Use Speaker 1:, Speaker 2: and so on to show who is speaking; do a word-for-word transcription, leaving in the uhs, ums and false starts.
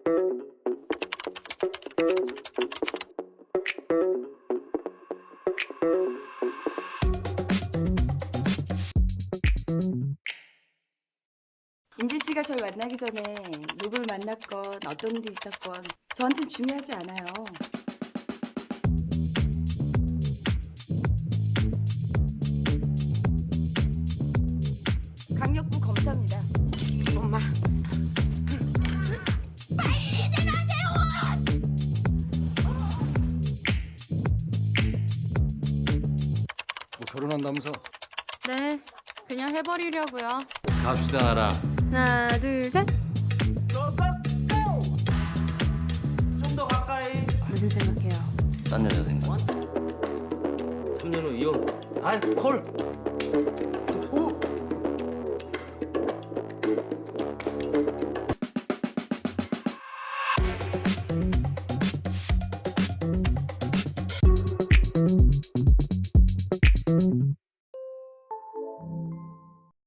Speaker 1: 임진 씨가 절 만나기 전에 누굴 만났건 어떤 일이 있었건 저한텐 중요하지 않아요. 강력부 검사입니다.
Speaker 2: 엄마.
Speaker 3: 뭐 결혼한다면서?
Speaker 4: 네, 그냥 해버리려고요.
Speaker 5: 갑시다 나라.
Speaker 4: 하나, 둘, 셋.
Speaker 2: 좀 더 가까이.
Speaker 4: 무슨 생각해요?
Speaker 5: 딴 여자 생각. 삼 년 후 이혼. 아이 콜.
Speaker 3: 오!